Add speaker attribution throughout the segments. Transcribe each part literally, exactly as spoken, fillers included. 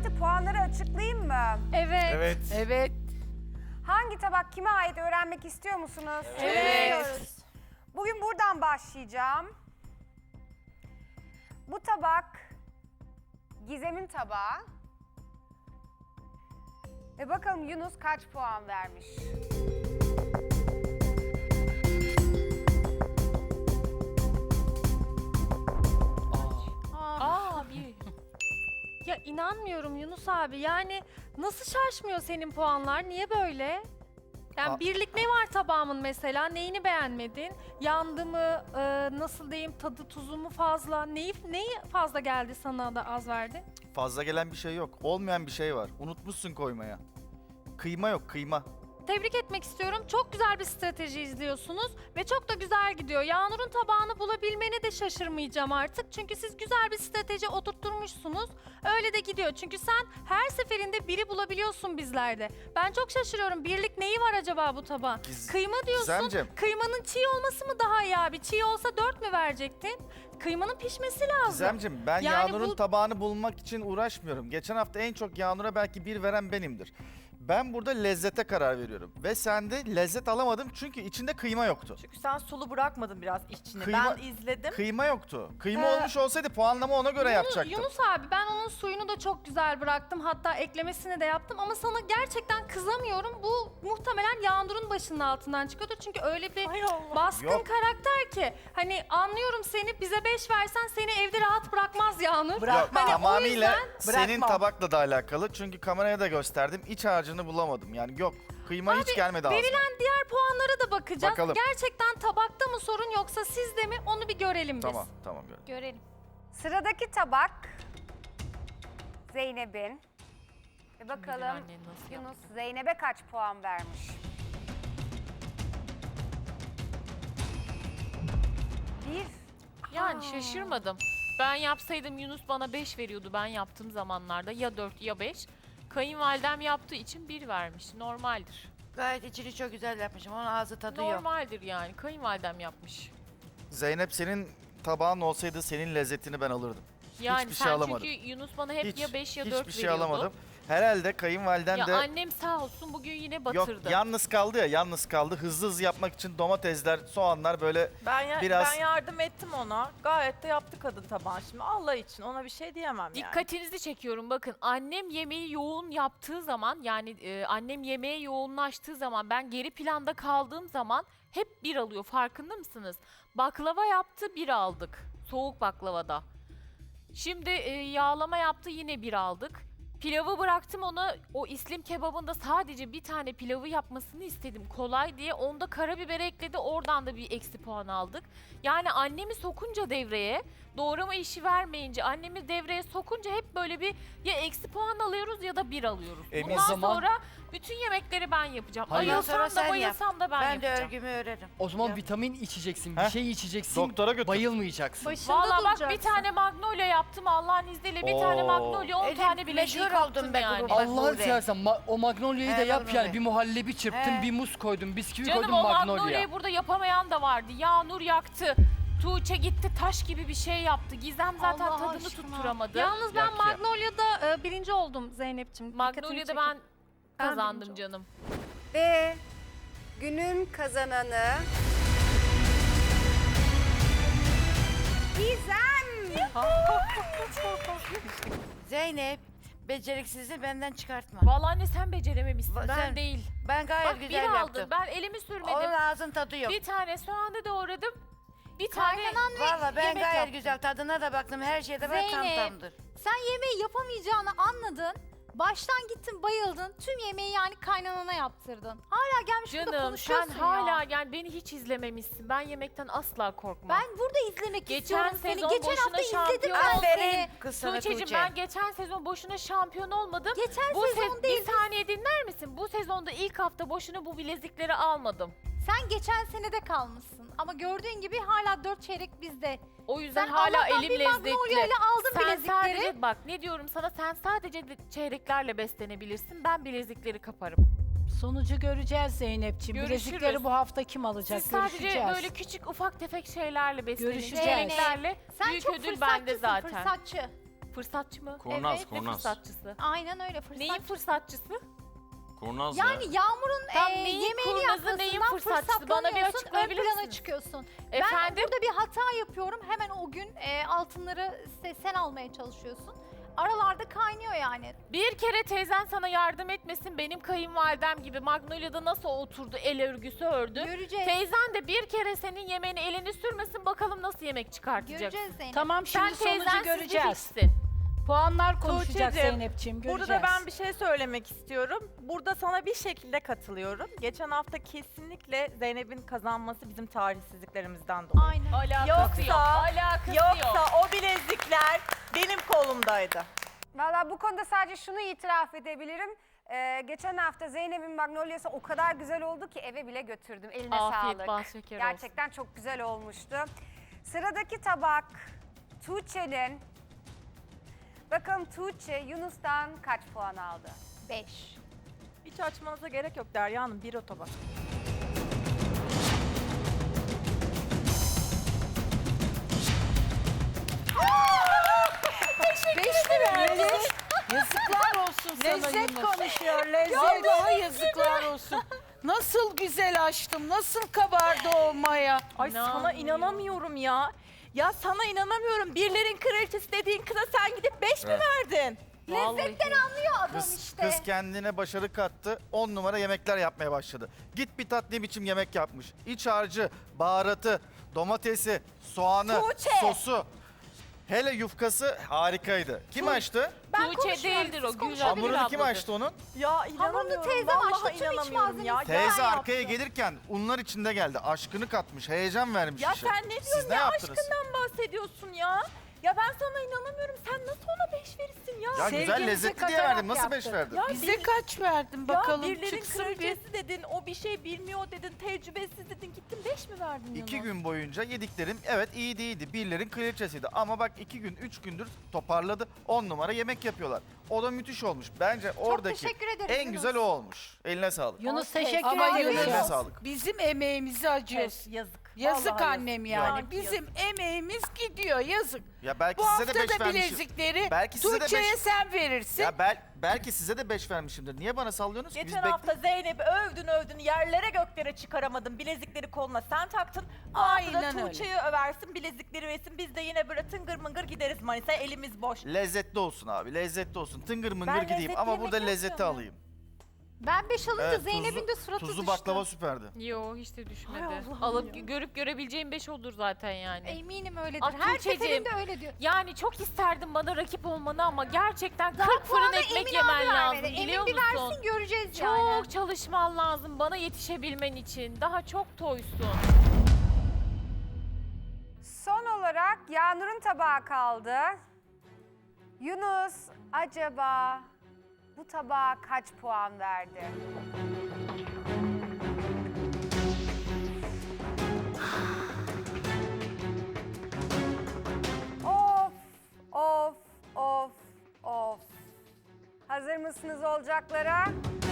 Speaker 1: bitti. Puanları açıklayayım mı?
Speaker 2: Evet.
Speaker 3: Evet.
Speaker 4: Evet.
Speaker 1: Hangi tabak kime ait öğrenmek istiyor musunuz?
Speaker 4: Evet.
Speaker 1: Bugün buradan başlayacağım. Bu tabak Gizem'in tabağı. Ve bakalım Yunus kaç puan vermiş?
Speaker 2: Aa bir. Ya inanmıyorum Yunus abi. Yani nasıl şaşmıyor senin puanlar? Niye böyle? Yani
Speaker 3: Aa.
Speaker 2: birlik ne var tabağımın mesela? Neyini beğenmedin? Yandı mı? e, nasıl diyeyim? Tadı tuzu mu fazla? Neyi neyi fazla geldi sana da az verdi?
Speaker 3: Fazla gelen bir şey yok. Olmayan bir şey var. Unutmuşsun koymaya. Kıyma yok, kıyma.
Speaker 2: Tebrik etmek istiyorum. Çok güzel bir strateji izliyorsunuz ve çok da güzel gidiyor. Yağnur'un tabağını bulabilmene de şaşırmayacağım artık. Çünkü siz güzel bir strateji oturtturmuşsunuz. Öyle de gidiyor. Çünkü sen her seferinde biri bulabiliyorsun bizlerde. Ben çok şaşırıyorum. Birlik neyi var acaba bu tabağın?
Speaker 3: Giz-
Speaker 2: Kıyma diyorsun.
Speaker 3: Gizemciğim.
Speaker 2: Kıymanın çiğ olması mı daha iyi abi? Çiğ olsa dört mü verecektin? Kıymanın pişmesi lazım.
Speaker 3: Gizemciğim ben
Speaker 2: Yani
Speaker 3: Yağnur'un
Speaker 2: bu-
Speaker 3: tabağını bulmak için uğraşmıyorum. Geçen hafta en çok Yağnur'a belki bir veren benimdir. Ben burada lezzete karar veriyorum. Ve sende lezzet alamadım çünkü içinde kıyma yoktu.
Speaker 4: Çünkü sen sulu bırakmadın biraz içine.
Speaker 3: Kıyma-
Speaker 4: Ben izledim.
Speaker 3: Kıyma yoktu. Kıyma
Speaker 2: Ee,
Speaker 3: olmuş olsaydı puanlama ona göre
Speaker 2: Yunus-
Speaker 3: yapacaktım.
Speaker 2: Yunus abi ben onun suyunu da çok güzel bıraktım. Hatta eklemesini de yaptım ama sana gerçekten kızamıyorum. Bu muhtemelen Yağnur'un başının altından çıkıyordu. Çünkü öyle bir
Speaker 4: Hay Allah.
Speaker 2: baskın
Speaker 3: Yok.
Speaker 2: karakter ki. Hani anlıyorum seni, bize beş versen seni evde rahat bırakmaz Yağnur.
Speaker 4: Bırak-
Speaker 3: Yok,
Speaker 4: Hani o
Speaker 3: tamamıyla
Speaker 4: yüzden
Speaker 3: senin
Speaker 4: bırakmam.
Speaker 3: tabakla da alakalı. Çünkü kameraya da gösterdim. İç harcını bulamadım. Yani yok. Kıyma hiç gelmedi ağzıma.
Speaker 2: Verilen diğer puanlara da bakacağız.
Speaker 3: Bakalım.
Speaker 2: Gerçekten tabakta mı sorun yoksa sizde mi onu bir görelim biz.
Speaker 3: Tamam, tamam. gördüm.
Speaker 2: Görelim.
Speaker 1: Sıradaki tabak Zeynep'in. Ve bakalım
Speaker 5: annen nasıl
Speaker 1: Yunus Zeynep'e kaç puan vermiş? Bir.
Speaker 5: Yani şaşırmadım. Ben yapsaydım Yunus bana beş veriyordu ben yaptığım zamanlarda. Ya dört ya beş. Kayınvalidem yaptığı için bir vermiş. Normaldir.
Speaker 6: Gayet içini çok güzel yapmışım. Onun ağzı tadı yok.
Speaker 5: Normaldir yani. Kayınvalidem yapmış.
Speaker 3: Zeynep senin tabağın olsaydı senin lezzetini ben alırdım.
Speaker 5: Yani
Speaker 3: Hiçbir şey
Speaker 5: sen
Speaker 3: alamadım.
Speaker 5: çünkü Yunus bana hep
Speaker 3: Hiç,
Speaker 5: ya beş ya dört
Speaker 3: hiçbir şey
Speaker 5: veriyordu.
Speaker 3: alamadım. Herhalde kayınvaliden
Speaker 5: Ya
Speaker 3: de
Speaker 5: annem sağ olsun bugün yine
Speaker 3: yok
Speaker 5: batırdı.
Speaker 3: yalnız kaldı ya yalnız kaldı. Hızlı hızlı yapmak için domatesler, soğanlar böyle
Speaker 4: Ben, ya-
Speaker 3: Biraz-
Speaker 4: ben yardım ettim ona. Gayet de yaptı kadın tabağı. Şimdi Allah için ona bir şey diyemem yani.
Speaker 5: Dikkatinizi çekiyorum bakın annem yemeği yoğun yaptığı zaman yani e, annem yemeğe yoğunlaştığı zaman ben geri planda kaldığım zaman hep bir alıyor farkında mısınız? Baklava yaptı bir aldık soğuk baklavada. Şimdi e, yağlama yaptı yine bir aldık. Pilavı bıraktım ona o İslim kebabında sadece bir tane pilavı yapmasını istedim kolay diye. Onda karabiber ekledi oradan da bir eksi puan aldık. Yani annemi sokunca devreye doğrama işi vermeyince annemi devreye sokunca hep böyle bir ya eksi puan alıyoruz ya da bir alıyoruz.
Speaker 3: Emin
Speaker 5: Bundan
Speaker 7: zaman-
Speaker 5: sonra bütün yemekleri ben yapacağım.
Speaker 7: Hayır.
Speaker 6: Ondan sonra
Speaker 5: Ayılsam da
Speaker 6: sen
Speaker 5: bayılsam da ben,
Speaker 6: Ben de
Speaker 5: yapacağım.
Speaker 6: örgümü örerim.
Speaker 7: O zaman
Speaker 6: Ya.
Speaker 7: vitamin içeceksin, bir
Speaker 3: Heh.
Speaker 7: şey içeceksin,
Speaker 3: doktora götür.
Speaker 7: bayılmayacaksın.
Speaker 2: Başında
Speaker 5: Valla bak
Speaker 2: duracaksın.
Speaker 5: bir tane magnolia yaptım Allah'ın izniyle bir tane
Speaker 3: Oo.
Speaker 5: magnolia on
Speaker 6: Elif,
Speaker 5: tane bileziği
Speaker 6: meşhur oldun
Speaker 5: kaptım
Speaker 6: be
Speaker 5: yani.
Speaker 6: kurban. Bak
Speaker 7: Allah'ını
Speaker 6: Nuri.
Speaker 7: seversen ma- o magnolia'yı da
Speaker 6: He,
Speaker 7: yap
Speaker 6: Nuri.
Speaker 7: yani. Bir muhallebi çırptın,
Speaker 6: He.
Speaker 7: bir muz koydun, bisküvi
Speaker 5: Canım
Speaker 7: koydun
Speaker 5: o
Speaker 7: magnolia.
Speaker 5: magnolia'yı burada yapamayan da vardı. Yağnur yaktı. Tuğçe gitti taş gibi bir şey yaptı. Gizem zaten
Speaker 2: Allah
Speaker 5: tadını
Speaker 2: aşkına.
Speaker 5: tutturamadı.
Speaker 2: Yalnız ben
Speaker 7: Yak ya.
Speaker 2: Magnolia'da e, birinci oldum Zeynep'ciğim. Dikkatini
Speaker 5: Magnolia'da
Speaker 2: çekin.
Speaker 5: ben
Speaker 2: Ben
Speaker 5: kazandım
Speaker 2: birinci
Speaker 5: canım.
Speaker 1: Ve günün kazananı Gizem.
Speaker 6: Zeynep, beceriksizliği benden çıkartma.
Speaker 5: Vallahi anne sen becerememişsin
Speaker 6: Va-
Speaker 5: ben
Speaker 6: sen-
Speaker 5: değil.
Speaker 6: Ben gayet
Speaker 5: Bak bir
Speaker 6: güzel
Speaker 5: aldım
Speaker 6: yaptım.
Speaker 5: ben elimi sürmedim.
Speaker 6: Onun ağzın tadı yok.
Speaker 5: Bir tane soğanı doğradım. Bir tane
Speaker 6: Valla ben
Speaker 5: yemek
Speaker 6: gayet
Speaker 5: yaptım.
Speaker 6: güzel tadına da baktım. Her şeyde böyle tam
Speaker 8: Zeynep.
Speaker 6: tamdır.
Speaker 8: Sen yemeği yapamayacağını anladın. Baştan gittin bayıldın. Tüm yemeği yani kaynanana yaptırdın. Hala gelmiş burada
Speaker 5: Canım sen
Speaker 8: konuşuyorsun
Speaker 5: hala
Speaker 8: ya.
Speaker 5: yani beni hiç izlememişsin. Ben yemekten asla korkmam.
Speaker 8: Ben burada izlemek
Speaker 5: Geçen
Speaker 8: istiyorum seni.
Speaker 5: sezon
Speaker 8: Geçen
Speaker 5: boşuna
Speaker 8: hafta izledim
Speaker 5: şampiyon
Speaker 8: ben
Speaker 6: Aferin
Speaker 8: seni.
Speaker 6: kız sana
Speaker 5: Tuğçe'cim
Speaker 6: Tuğçe.
Speaker 5: ben geçen sezon boşuna şampiyon olmadım.
Speaker 8: Geçen
Speaker 5: Bu
Speaker 8: sezon
Speaker 5: se-
Speaker 8: değil.
Speaker 5: Bir saniye dinler misin? Bu sezonda ilk hafta boşuna bu bilezikleri almadım.
Speaker 8: Sen geçen senede kalmışsın. Ama gördüğün gibi hala dört çeyrek bizde.
Speaker 5: O yüzden
Speaker 8: Sen
Speaker 5: hala
Speaker 8: Allah'tan
Speaker 5: elim
Speaker 8: bir
Speaker 5: lezzetli.
Speaker 8: Magnolia ile aldın
Speaker 5: Sen
Speaker 8: bilezikleri.
Speaker 5: sadece bak ne diyorum sana sen sadece de- çeyreklerle beslenebilirsin. Ben bilezikleri kaparım.
Speaker 9: Sonucu göreceğiz Zeynep'ciğim.
Speaker 5: Görüşürüz.
Speaker 9: Bilezikleri bu hafta kim alacak?
Speaker 5: Siz sadece
Speaker 9: Görüşeceğiz.
Speaker 5: böyle küçük ufak tefek şeylerle beslenin.
Speaker 9: Görüşeceğiz.
Speaker 5: Çeyreklerle
Speaker 8: Sen
Speaker 5: büyük
Speaker 8: çok
Speaker 5: ödül bende
Speaker 8: fırsatçısın,
Speaker 5: zaten.
Speaker 8: fırsatçı.
Speaker 5: Fırsatçı mı?
Speaker 10: Kurnaz,
Speaker 8: Evet,
Speaker 5: Ne
Speaker 10: kurnaz.
Speaker 5: fırsatçısı?
Speaker 8: Aynen öyle fırsat.
Speaker 5: Neyin fırsatçısı?
Speaker 10: Kurnaz
Speaker 8: Yani
Speaker 10: ya.
Speaker 8: Yağmur'un
Speaker 5: Tam
Speaker 8: e,
Speaker 5: neyin
Speaker 8: yemeğini
Speaker 5: kurnazı, neyin
Speaker 8: yapmasından
Speaker 5: fırsatçısı? Bana bir
Speaker 8: fırsatlanıyorsun,
Speaker 5: açıklayabilir
Speaker 8: ön plana
Speaker 5: misiniz?
Speaker 8: çıkıyorsun.
Speaker 5: Efendim?
Speaker 8: Ben burada bir hata yapıyorum. Hemen o gün e, altınları se- sen almaya çalışıyorsun. Aralarda kaynıyor yani.
Speaker 5: Bir kere teyzen sana yardım etmesin, benim kayınvalidem gibi Magnolia'da nasıl oturdu, el örgüsü ördü.
Speaker 8: Göreceğiz.
Speaker 5: Teyzen de bir kere senin yemeğine elini sürmesin, bakalım nasıl yemek çıkartacaksın.
Speaker 8: Göreceğiz Zeynep.
Speaker 9: Tamam şimdi
Speaker 5: Sen
Speaker 9: sonucu
Speaker 5: teyzensiz bir
Speaker 9: göreceğiz.
Speaker 5: fixsin.
Speaker 9: Puanlar konuşacak
Speaker 4: Tuğçe'cim,
Speaker 9: Zeynep'ciğim göreceğiz.
Speaker 4: Burada ben bir şey söylemek istiyorum. Burada sana bir şekilde katılıyorum. Geçen hafta kesinlikle Zeynep'in kazanması bizim tarihsizliklerimizden dolayı.
Speaker 8: Aynen.
Speaker 5: Alakası
Speaker 4: Yoksa-
Speaker 5: yok. Alakası
Speaker 4: Yoksa
Speaker 5: yok.
Speaker 4: o bilezikler benim kolumdaydı.
Speaker 1: Valla bu konuda sadece şunu itiraf edebilirim. Ee, geçen hafta Zeynep'in Magnolia'sı o kadar güzel oldu ki eve bile götürdüm. Eline
Speaker 5: Afiyet,
Speaker 1: sağlık.
Speaker 5: bal şeker olsun.
Speaker 1: Gerçekten çok güzel olmuştu. Sıradaki tabak Tuğçe'nin. Bakalım Tuğçe Yunus'tan kaç puan aldı?
Speaker 8: beş.
Speaker 4: Hiç açmanıza gerek yok Derya Hanım. Bir o tabak.
Speaker 9: Beş mi verdin? Yazıklar olsun sana
Speaker 6: Lezzet
Speaker 9: Yunus.
Speaker 6: konuşuyor lezzet.
Speaker 9: Vallahi yazıklar olsun. Nasıl güzel açtım, nasıl kabardı olmaya.
Speaker 4: Ay sana
Speaker 5: İnanmıyorum.
Speaker 4: inanamıyorum ya. Ya sana inanamıyorum. Birlerin kraliçesi dediğin kıza sen gidip beş mi
Speaker 3: Evet.
Speaker 4: verdin?
Speaker 8: Lezzetten anlıyor adam
Speaker 3: Kız,
Speaker 8: işte.
Speaker 3: kız kendine başarı kattı. on numara yemekler yapmaya başladı. Git bir tat ne biçim yemek yapmış. İç harcı, baharatı, domatesi, soğanı,
Speaker 4: Tuğçe.
Speaker 3: sosu. Hele yufkası harikaydı. Kim açtı?
Speaker 8: Ben
Speaker 5: Tuğçe
Speaker 8: konuşmuyorum,
Speaker 5: değildir
Speaker 8: siz
Speaker 5: o,
Speaker 8: konuşun.
Speaker 5: Gülcan
Speaker 3: Hamurunu
Speaker 5: Gül
Speaker 3: kim
Speaker 5: abladır.
Speaker 3: açtı onun?
Speaker 4: Ya inanamıyorum.
Speaker 8: teyzem
Speaker 4: Vallahi
Speaker 8: açtı, tüm iç
Speaker 4: inanamıyorum ya.
Speaker 8: malzemesini.
Speaker 4: Ya,
Speaker 3: Teyze
Speaker 8: yaptı.
Speaker 3: arkaya gelirken unlar içinde geldi. Aşkını katmış, heyecan vermiş
Speaker 4: ya
Speaker 3: işe.
Speaker 4: sen ne
Speaker 3: Siz
Speaker 4: diyorsun
Speaker 3: ne
Speaker 4: ya?
Speaker 3: yaptınız?
Speaker 4: Aşkından bahsediyorsun ya. Ya ben sana inanamıyorum. Sen nasıl ona beş verirsin ya?
Speaker 3: Ya güzel
Speaker 9: Sevginizi
Speaker 3: lezzetli diye
Speaker 9: katarak
Speaker 3: verdim. Nasıl beş
Speaker 9: yaptı.
Speaker 3: verdin?
Speaker 4: Ya
Speaker 9: Bize
Speaker 4: bir-
Speaker 9: kaç verdin bakalım
Speaker 4: ya birlerin
Speaker 9: çıksın bir.
Speaker 4: kraliçesi dedin, o bir şey bilmiyor dedin, tecrübesiz dedin, gittin beş mi verdin Yunus?
Speaker 3: İki gün boyunca yediklerim evet iyiydi iyiydi. Birlerin kraliçesiydi. Ama bak iki gün, üç gündür toparladı. On numara yemek yapıyorlar. O da müthiş olmuş. Bence oradaki
Speaker 8: teşekkür ederim
Speaker 3: en
Speaker 8: Yunus.
Speaker 3: güzel o olmuş. Eline sağlık.
Speaker 9: Yunus
Speaker 4: Okey.
Speaker 9: teşekkür
Speaker 8: Ama
Speaker 9: ederim.
Speaker 8: Yunus-
Speaker 3: Eline sağlık.
Speaker 9: Bizim emeğimizi acıyoruz.
Speaker 4: Evet, yazık.
Speaker 9: Yazık
Speaker 4: Vallahi
Speaker 9: annem yani.
Speaker 4: Yani
Speaker 9: Bizim emeğimiz gidiyor yazık.
Speaker 3: Ya belki
Speaker 9: Bu
Speaker 3: size
Speaker 9: hafta
Speaker 3: de beş
Speaker 9: da
Speaker 3: vermişim.
Speaker 9: bilezikleri
Speaker 3: Belki size de
Speaker 9: Tuğçe'ye
Speaker 3: beş-
Speaker 9: sen verirsin.
Speaker 3: Ya bel, belki size de beş vermişimdir. Niye bana sallıyorsunuz ki? Biz
Speaker 4: Geçen
Speaker 3: bek-
Speaker 4: hafta Zeynep'i övdün övdün, yerlere göklere çıkaramadın, bilezikleri koluna sen taktın. Bu hafta da
Speaker 9: Aynen öyle.
Speaker 4: Tuğçe'yi översin, bilezikleri versin, biz de yine böyle tıngır mıngır gideriz Manisa'ya, elimiz boş.
Speaker 3: Lezzetli olsun abi. Lezzetli olsun. Tıngır mıngır
Speaker 4: Ben
Speaker 3: gideyim
Speaker 4: lezzetli
Speaker 3: ama
Speaker 4: yemek
Speaker 3: burada lezzeti
Speaker 4: yapmıyorum.
Speaker 3: alayım.
Speaker 8: Ben beş alınca
Speaker 3: Evet,
Speaker 8: Zeynep'in
Speaker 3: tuzlu-
Speaker 8: de suratı
Speaker 3: Tuzlu
Speaker 8: düştü.
Speaker 3: baklava süperdi.
Speaker 5: Yo hiç de düşmedi.
Speaker 4: Hay Allah'ım
Speaker 5: Alıp
Speaker 4: ya.
Speaker 5: görüp görebileceğim beş olur zaten yani.
Speaker 8: Eminim öyledir.
Speaker 5: Ah,
Speaker 8: Her
Speaker 5: Tuğçe'cim.
Speaker 8: seferinde öyle diyor.
Speaker 5: Yani çok isterdim bana rakip olmanı ama gerçekten
Speaker 8: Daha
Speaker 5: kırk fırın
Speaker 8: puanı
Speaker 5: ekmek
Speaker 8: Emin
Speaker 5: yemen
Speaker 8: abi
Speaker 5: lazım
Speaker 8: vermedi.
Speaker 5: biliyor
Speaker 8: Emin bir
Speaker 5: musun?
Speaker 8: versin göreceğiz
Speaker 5: Çok
Speaker 8: yani.
Speaker 5: çalışman lazım bana yetişebilmen için. Daha çok toysun.
Speaker 1: Son olarak Yağnur'un tabağı kaldı. Yunus acaba bu tabağa kaç puan verdi? Of, of, of, of. Hazır mısınız olacaklara?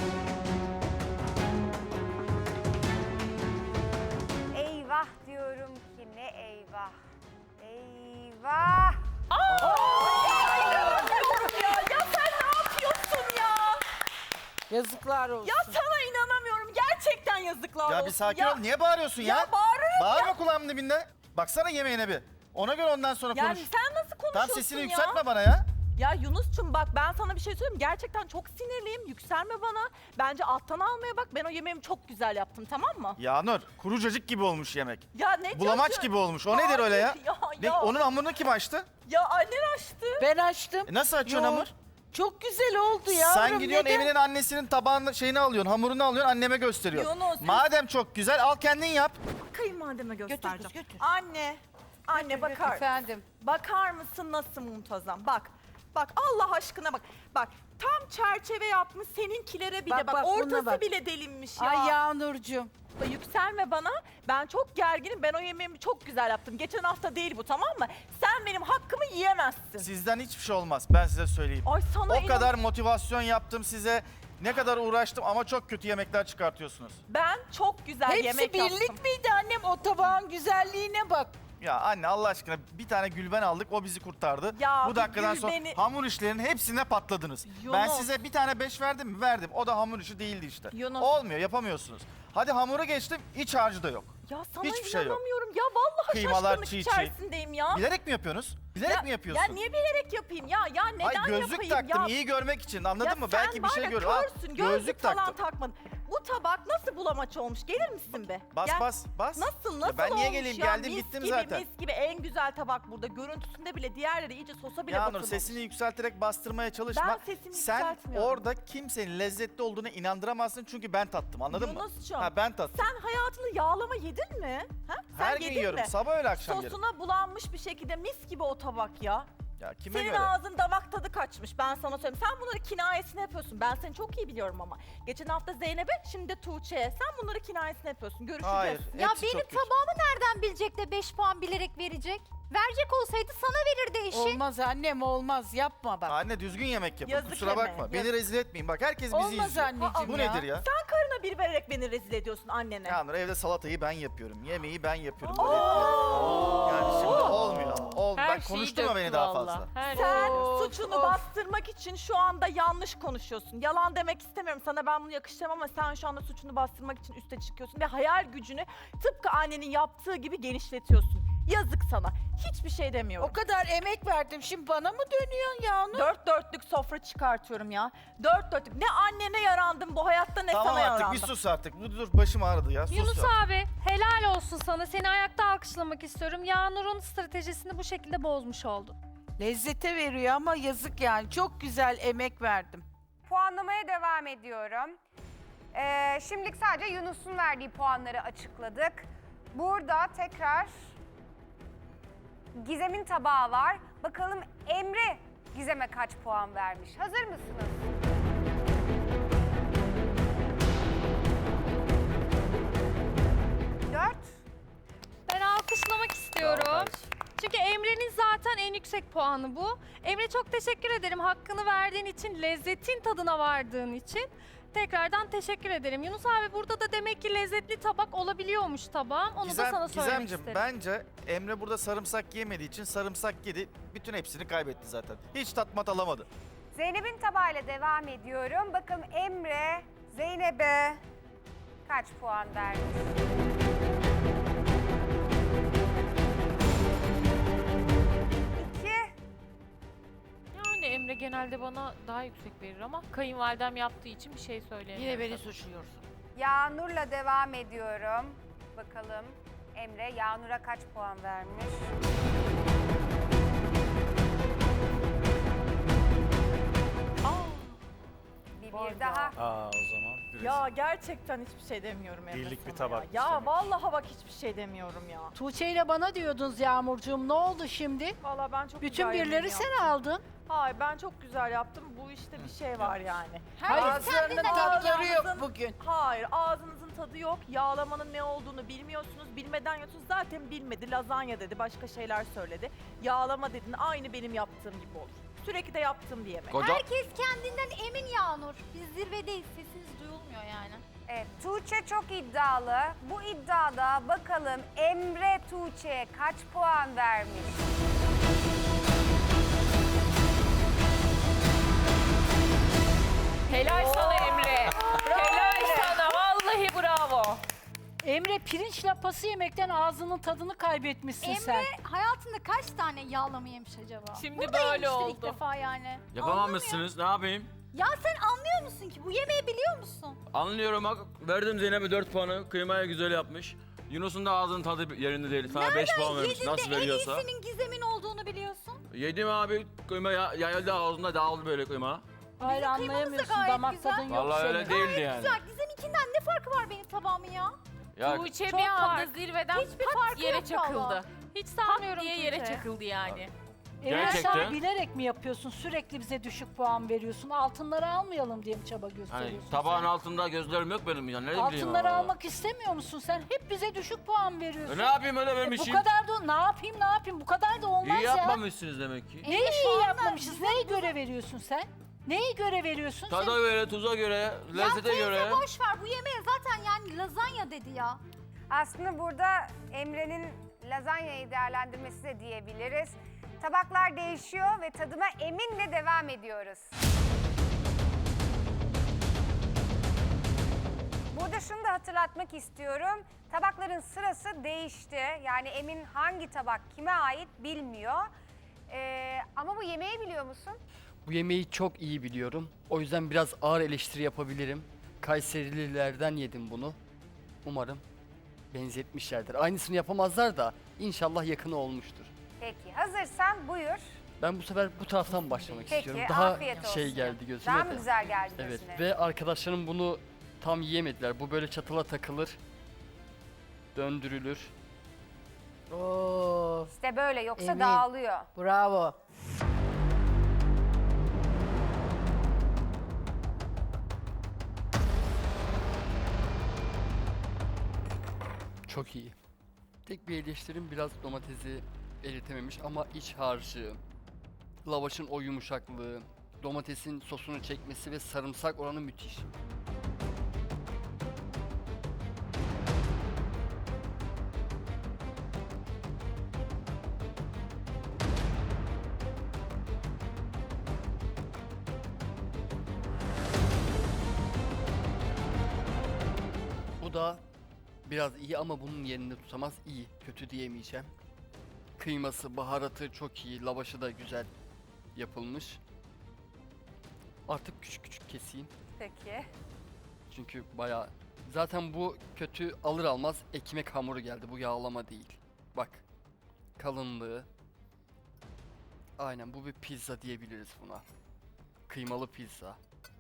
Speaker 1: Eyvah diyorum ki ne eyvah. Eyvah.
Speaker 4: ya, ya sen ne yapıyorsun ya?
Speaker 9: Yazıklar olsun.
Speaker 4: Ya sana inanamıyorum, gerçekten yazıklar olsun.
Speaker 3: Ya bir sakin ol. Niye bağırıyorsun ya?
Speaker 4: Ya bağırırım
Speaker 3: Bağırma kulağımın dibinde. Baksana yemeğine bir. Ona göre ondan sonra
Speaker 4: Yani
Speaker 3: konuş.
Speaker 4: sen nasıl konuşuyorsun
Speaker 3: Tam sesini
Speaker 4: ya?
Speaker 3: yükseltme bana ya.
Speaker 4: Ya Yunus'cum bak ben sana bir şey söyleyeyim. Gerçekten çok sinirliyim. Yükselme bana. Bence alttan almaya bak. Ben o yemeğimi çok güzel yaptım, tamam mı?
Speaker 3: Yağnur, kuru cacık gibi olmuş yemek.
Speaker 4: Ya ne
Speaker 3: Bulamaç
Speaker 4: diyorsun?
Speaker 3: gibi olmuş. O nedir öyle ya?
Speaker 4: Hayır, Ya,
Speaker 3: Ne,
Speaker 4: ya,
Speaker 3: onun hamurunu kim açtı?
Speaker 4: ya annen açtı.
Speaker 9: Ben açtım.
Speaker 3: E nasıl açıyorsun
Speaker 9: Yo,
Speaker 3: hamur?
Speaker 9: Çok güzel oldu yavrum.
Speaker 3: Sen gidiyorsun
Speaker 9: neden?
Speaker 3: Emin'in annesinin tabağını şeyini alıyorsun, hamurunu alıyorsun, anneme gösteriyorsun.
Speaker 4: Yunus,
Speaker 3: Madem çok güzel, al kendin yap.
Speaker 4: Kayınvalideme göstereceğim.
Speaker 6: kız, götür.
Speaker 4: Anne, anne bakar.
Speaker 6: Efendim.
Speaker 4: Bakar mısın nasıl muntazam? Bak, bak Allah aşkına bak. Bak tam çerçeve yapmış seninkilere bile
Speaker 9: Bak,
Speaker 4: bak.
Speaker 9: bak, buna
Speaker 4: Ortası
Speaker 9: bak.
Speaker 4: bile delinmiş ya.
Speaker 9: Ay Yağnurcuğum.
Speaker 4: Yükselme bana. Ben çok gerginim. Ben o yemeğimi çok güzel yaptım. Geçen hafta değil bu, tamam mı? Sen benim hakkımı yiyemezsin.
Speaker 3: Sizden hiçbir şey olmaz, ben size söyleyeyim.
Speaker 4: Ay sana
Speaker 3: O
Speaker 4: inan-
Speaker 3: kadar motivasyon yaptım size. Ne kadar uğraştım ama çok kötü yemekler çıkartıyorsunuz.
Speaker 4: Ben çok güzel
Speaker 9: Hepsi
Speaker 4: yemek
Speaker 9: birlik
Speaker 4: yaptım.
Speaker 9: miydi annem? O tabağın güzelliğine bak.
Speaker 3: Ya anne Allah aşkına bir tane Gülben aldık, o bizi kurtardı.
Speaker 4: Ya
Speaker 3: Bu
Speaker 4: bir
Speaker 3: dakikadan sonra
Speaker 4: Gülben'i-
Speaker 3: hamur işlerinin hepsine patladınız. Ben
Speaker 4: Yunus.
Speaker 3: size bir tane beş verdim mi? Verdim. O da hamur işi değildi işte.
Speaker 4: Yunus.
Speaker 3: Olmuyor, yapamıyorsunuz. Hadi hamuru geçtim, iç harcı da yok.
Speaker 4: Ya sana
Speaker 3: Hiçbir şey yok.
Speaker 4: inanamıyorum. Ya vallahi
Speaker 3: Kıymalar
Speaker 4: şaşkınlık
Speaker 3: çiğ çiğ.
Speaker 4: içerisindeyim ya.
Speaker 3: Bilerek mi yapıyorsunuz? Bilerek
Speaker 4: ya,
Speaker 3: mi yapıyorsun?
Speaker 4: Ya niye bilerek yapayım ya? Ya neden
Speaker 3: Ay gözlük
Speaker 4: yapayım
Speaker 3: taktım
Speaker 4: ya?
Speaker 3: iyi görmek için, anladın
Speaker 4: Ya
Speaker 3: mı?
Speaker 4: sen
Speaker 3: Belki bir
Speaker 4: var
Speaker 3: şey
Speaker 4: ya
Speaker 3: görür. Al,
Speaker 4: körsün, gözlük,
Speaker 3: gözlük
Speaker 4: falan
Speaker 3: taktım.
Speaker 4: takmadın. Bu tabak nasıl bulamaç olmuş? Gelir misin be?
Speaker 3: Bas
Speaker 4: Gel.
Speaker 3: bas bas.
Speaker 4: Nasıl
Speaker 3: Ya
Speaker 4: nasıl
Speaker 3: ben niye
Speaker 4: olmuş
Speaker 3: geleyim?
Speaker 4: ya?
Speaker 3: Geldim
Speaker 4: mis
Speaker 3: gittim
Speaker 4: gibi,
Speaker 3: zaten.
Speaker 4: Mis gibi en güzel tabak burada. Görüntüsünde bile diğerleri iyice sosa bile
Speaker 3: Yağnur
Speaker 4: batırmamış.
Speaker 3: sesini yükselterek bastırmaya çalışma.
Speaker 4: Ben sesimi
Speaker 3: Sen
Speaker 4: yükseltmiyorum.
Speaker 3: orada kimsenin lezzetli olduğunu inandıramazsın çünkü ben tattım, anladın mı?
Speaker 4: Yunus'cum,
Speaker 3: Ha ben tattım.
Speaker 4: sen hayatını yağlama yedin mi? Ha? Sen
Speaker 3: Her gün
Speaker 4: yedin
Speaker 3: yiyorum.
Speaker 4: mi?
Speaker 3: Sabah öyle akşam yerim.
Speaker 4: Sosuna bulanmış bir şekilde mis gibi o tabak ya.
Speaker 3: Ya kime
Speaker 4: Senin
Speaker 3: göre?
Speaker 4: ağzın damak tadı kaçmış, ben sana söyleyeyim. Sen bunları kinayesini yapıyorsun. Ben seni çok iyi biliyorum ama. Geçen hafta Zeynep'e, şimdi de Tuğçe'ye. Sen bunları kinayesini yapıyorsun. Görüşeceğiz.
Speaker 3: Hayır.
Speaker 8: Ya
Speaker 3: hepsi
Speaker 8: benim
Speaker 3: çok kötü.
Speaker 8: tabağımı nereden bilecek de beş puan bilerek verecek? Verecek olsaydı sana verirdi eşi.
Speaker 9: Olmaz annem olmaz yapma bak.
Speaker 3: Anne düzgün yemek yapın.
Speaker 4: Yazık
Speaker 3: Kusura
Speaker 4: yeme,
Speaker 3: bakma. Beni
Speaker 4: yazık.
Speaker 3: rezil etmeyin. Bak herkes bizi
Speaker 9: Olmaz
Speaker 3: izliyor.
Speaker 9: anneciğim
Speaker 3: Bu
Speaker 9: ya.
Speaker 3: nedir ya?
Speaker 4: Sen karına bir vererek beni rezil ediyorsun annene.
Speaker 3: Yağnur evde salatayı ben yapıyorum. Yemeği ben yapıyorum. Böyle yapıyorum. Yani şimdi olmuyor. Ol,
Speaker 5: Her
Speaker 3: ben
Speaker 5: şeyi
Speaker 3: konuşturma beni
Speaker 5: döktü
Speaker 3: daha
Speaker 5: valla.
Speaker 3: fazla.
Speaker 5: Her
Speaker 4: Sen
Speaker 9: Of,
Speaker 4: suçunu
Speaker 9: of.
Speaker 4: bastırmak için şu anda yanlış konuşuyorsun. Yalan demek istemiyorum. Sana ben bunu yakıştıramam ama sen şu anda suçunu bastırmak için üste çıkıyorsun ve hayal gücünü tıpkı annenin yaptığı gibi genişletiyorsun. Yazık sana. Hiçbir şey demiyorum.
Speaker 9: O kadar emek verdim şimdi bana mı dönüyorsun Yağnur?
Speaker 4: Dört dörtlük sofra çıkartıyorum ya. Dört dörtlük. Ne annene yarandım bu hayatta ne
Speaker 3: Tamam
Speaker 4: sana
Speaker 3: artık
Speaker 4: yarandım.
Speaker 3: bir sus artık. Dur dur başım ağrıdı ya. Sus
Speaker 2: Yunus
Speaker 3: ya.
Speaker 2: abi helal olsun sana. Seni ayakta alkışlamak istiyorum. Yağnur'un stratejisini bu şekilde bozmuş oldun.
Speaker 9: Lezzete veriyor ama yazık yani. Çok güzel emek verdim.
Speaker 1: Puanlamaya devam ediyorum. Ee, şimdilik sadece Yunus'un verdiği puanları açıkladık. Burada tekrar Gizem'in tabağı var. Bakalım Emre Gizem'e kaç puan vermiş? Hazır mısınız? Dört.
Speaker 2: Ben alkışlamak istiyorum.
Speaker 3: Tamam,
Speaker 2: Çünkü Emre'nin zaten en yüksek puanı bu. Emre çok teşekkür ederim. Hakkını verdiğin için, lezzetin tadına vardığın için. Tekrardan teşekkür ederim. Yunus abi burada da demek ki lezzetli tabak olabiliyormuş tabağım. Onu da sana söylemek
Speaker 3: Gizemciğim,
Speaker 2: isterim.
Speaker 3: bence Emre burada sarımsak yemediği için sarımsak yedi. Bütün hepsini kaybetti zaten. Hiç tatmat alamadı.
Speaker 1: Zeynep'in tabağıyla devam ediyorum. Bakalım Emre Zeynep'e kaç puan vermiş? İki.
Speaker 5: Yani Emre genelde bana daha yüksek verir ama kayınvalidem yaptığı için bir şey söyleyemiyorum.
Speaker 6: Yine beni
Speaker 5: tabii.
Speaker 6: suçluyorsun.
Speaker 1: Yağnur'la devam ediyorum. Bakalım Emre Yağnur'a kaç puan vermiş? Bir, bir daha.
Speaker 10: Aa o zaman.
Speaker 4: Ya gerçekten hiçbir şey demiyorum Emre
Speaker 10: Birlik bir
Speaker 4: sana
Speaker 10: tabak
Speaker 4: Ya, ya
Speaker 10: istemek.
Speaker 4: vallahi bak hiçbir şey demiyorum ya.
Speaker 9: Tuğçe ile bana diyordunuz Yağmurcuğum ne oldu şimdi?
Speaker 4: Vallahi ben çok
Speaker 9: Bütün
Speaker 4: güzel yemeğimi
Speaker 9: birileri sen
Speaker 4: yaptım.
Speaker 9: aldın.
Speaker 4: Hayır ben çok güzel yaptım. Bu işte bir şey var yani.
Speaker 9: Hayır
Speaker 8: Herkes
Speaker 9: ağızlarının
Speaker 8: kendinden
Speaker 9: tatları yok
Speaker 4: ağzınızın-
Speaker 9: bugün.
Speaker 4: Hayır ağzınızın tadı yok. Yağlamanın ne olduğunu bilmiyorsunuz. Bilmeden yiyorsunuz. Zaten bilmedi. Lazanya dedi. Başka şeyler söyledi. Yağlama dedin. Aynı benim yaptığım gibi olur. Sürekli de yaptığım bir yemek.
Speaker 8: Herkes kendinden emin Yağnur. Biz zirvedeyiz. Sesiniz duyulmuyor yani.
Speaker 1: Evet, Tuğçe çok iddialı. Bu iddiada bakalım Emre Tuğçe'ye kaç puan vermiş?
Speaker 5: Helal sana Emre. Helal sana. Vallahi bravo.
Speaker 9: Emre pirinç lapası yemekten ağzının tadını kaybetmişsin
Speaker 8: Emre
Speaker 9: sen.
Speaker 8: hayatında kaç tane yağlama yemiş acaba?
Speaker 5: Şimdi
Speaker 8: Burada
Speaker 5: böyle
Speaker 8: yemiştir ilk
Speaker 5: oldu.
Speaker 8: defa yani.
Speaker 10: Yapamamışsınız. Ne yapayım?
Speaker 8: Ya sen anlıyor musun ki? Bu yemeği biliyor musun?
Speaker 10: Anlıyorum bak. Verdim Zeynep'e dört puanı. Kıymaya güzel yapmış. Yunus'un da ağzının tadı yerinde değil. Sana beş puan vermiş.
Speaker 8: Yedin
Speaker 10: Nasıl
Speaker 8: de en
Speaker 10: veriyorsa.
Speaker 8: iyisinin Gizem'in olduğunu biliyorsun.
Speaker 10: Yedim abi. Kıyma ya, yayıldı ağzında dağıldı böyle kıyma.
Speaker 9: Hayır
Speaker 8: Bizim kıymamız da
Speaker 9: anlayamıyorsun
Speaker 8: gayet
Speaker 9: damak
Speaker 8: güzel.
Speaker 9: tadın yok
Speaker 10: Vallahi
Speaker 9: senin.
Speaker 10: öyle değildi yani.
Speaker 8: Güzel. Gizem'inkinden ne farkı var benim tabağımın ya?
Speaker 10: Ya
Speaker 5: Tuğçe
Speaker 2: çok
Speaker 5: bir anda
Speaker 2: fark.
Speaker 5: zirveden
Speaker 8: Hiçbir
Speaker 5: pat
Speaker 8: farkı
Speaker 5: yere
Speaker 8: yok
Speaker 5: çakıldı.
Speaker 8: vallahi.
Speaker 2: Hiç
Speaker 5: Pat
Speaker 2: sanmıyorum
Speaker 5: diye yere
Speaker 2: Tuğçe.
Speaker 5: çakıldı yani.
Speaker 9: Emre
Speaker 10: Gerçekten.
Speaker 9: sen bilerek mi yapıyorsun? Sürekli bize düşük puan veriyorsun. Altınları almayalım diye mi çaba
Speaker 10: hani
Speaker 9: gösteriyorsun
Speaker 10: tabağın
Speaker 9: sen?
Speaker 10: altında gözlerim yok benim ya. Ne bileyim
Speaker 9: Altınları
Speaker 10: ama.
Speaker 9: almak istemiyor musun sen? Hep bize düşük puan veriyorsun.
Speaker 10: E ne yapayım öyle
Speaker 9: E bu
Speaker 10: vermişim?
Speaker 9: kadar da ne yapayım ne yapayım bu kadar da olmaz
Speaker 10: İyi
Speaker 9: ya.
Speaker 10: yapmamışsınız demek ki.
Speaker 9: Neyi iyi yapmamışız? Neye göre veriyorsun sen? Neye göre veriyorsun sen?
Speaker 10: Tada göre, tuza göre,
Speaker 8: Ya
Speaker 10: lezzete
Speaker 8: teyze
Speaker 10: göre.
Speaker 8: boş ver. Bu yemeğe zaten yani lazanya dedi ya.
Speaker 1: Aslında burada Emre'nin lazanyayı değerlendirmesi de diyebiliriz. Tabaklar değişiyor ve tadıma eminle devam ediyoruz. Burada şunu da hatırlatmak istiyorum. Tabakların sırası değişti. Yani Emin hangi tabak kime ait bilmiyor. Ee, ama bu yemeği biliyor musun?
Speaker 7: Bu yemeği çok iyi biliyorum. O yüzden biraz ağır eleştiri yapabilirim. Kayserililerden yedim bunu. Umarım benzetmişlerdir. Aynısını yapamazlar da inşallah yakını olmuştur.
Speaker 1: Peki hazırsan buyur.
Speaker 7: Ben bu sefer bu taraftan başlamak
Speaker 1: Peki,
Speaker 7: istiyorum. Daha
Speaker 1: afiyet olsun.
Speaker 7: şey geldi gözüme
Speaker 1: Daha
Speaker 7: de.
Speaker 1: mı güzel geldi
Speaker 7: Evet
Speaker 1: gözüne?
Speaker 7: ve arkadaşlarım bunu tam yiyemediler. Bu böyle çatıla takılır. Döndürülür.
Speaker 9: Oo,
Speaker 1: İşte böyle yoksa
Speaker 9: Emin.
Speaker 1: dağılıyor.
Speaker 9: bravo.
Speaker 7: Çok iyi. Tek bir eleştirim biraz domatesi eritememiş ama iç harcı, lavaşın o yumuşaklığı, domatesin sosunu çekmesi ve sarımsak oranı müthiş. Bu da biraz iyi ama bunun yerini tutamaz. İyi, kötü diyemeyeceğim. Kıyması, baharatı çok iyi, lavaşı da güzel yapılmış. Artık küçük küçük keseyim.
Speaker 1: Peki.
Speaker 7: Çünkü bayağı... Zaten bu kötü alır almaz ekmek hamuru geldi. Bu yağlama değil. Bak. Kalınlığı. Aynen bu bir pizza diyebiliriz buna. Kıymalı pizza.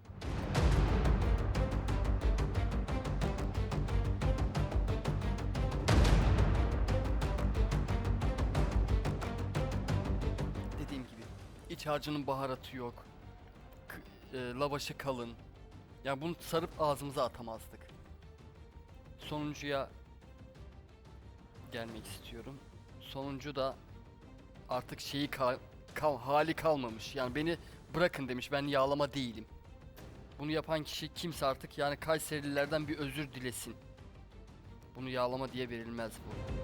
Speaker 7: Dediğim gibi iç harcının baharatı yok. K- e, lavaşı kalın. Yani bunu sarıp ağzımıza atamazdık. Sonuncuya gelmek istiyorum. Sonuncu da artık şeyi kal, kal- hali kalmamış. Yani beni bırakın demiş. Ben yağlama değilim. Bunu yapan kişi kimse artık yani Kayserililerden bir özür dilesin. Bunu yağlama diye verilmez bu.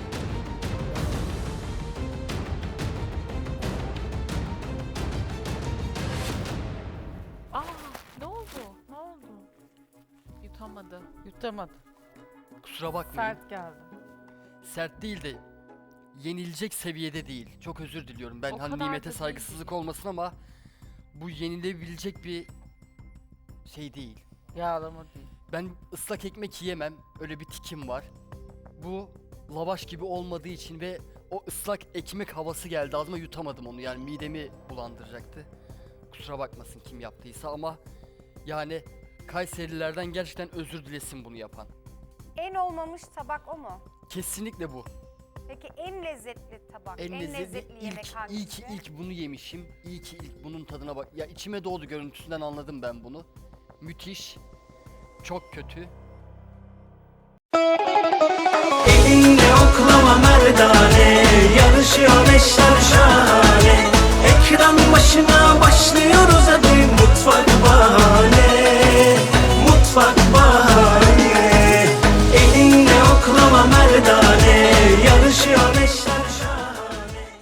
Speaker 5: Aa, ne oldu? Ne oldu? Yutamadı.
Speaker 9: Yutamadım.
Speaker 7: Kusura bakmayın.
Speaker 9: Sert geldi.
Speaker 7: Sert değil de yenilecek seviyede değil. Çok özür diliyorum. Ben
Speaker 5: O
Speaker 7: hani
Speaker 5: kadar da
Speaker 7: nimete
Speaker 5: değil.
Speaker 7: saygısızlık olmasın ama bu yenilebilecek bir şey değil.
Speaker 9: Yağlama değil.
Speaker 7: Ben ıslak ekmek yiyemem. Öyle bir tikim var. Bu lavaş gibi olmadığı için ve o ıslak ekmek havası geldi ağzıma, yutamadım onu. Yani midemi bulandıracaktı. Kusura bakmasın kim yaptıysa ama yani Kayserilerden gerçekten özür dilesin bunu yapan.
Speaker 1: En olmamış tabak o mu?
Speaker 7: Kesinlikle bu.
Speaker 1: Peki en lezzetli tabak,
Speaker 7: En,
Speaker 1: en,
Speaker 7: lezzetli,
Speaker 1: lezzetli yemek
Speaker 7: ilk,
Speaker 1: hangisi?
Speaker 7: iyi ki ilk bunu yemişim. İyi ki ilk bunun tadına bak. Ya içime doğdu, görüntüsünden anladım ben bunu. Müthiş. Çok kötü.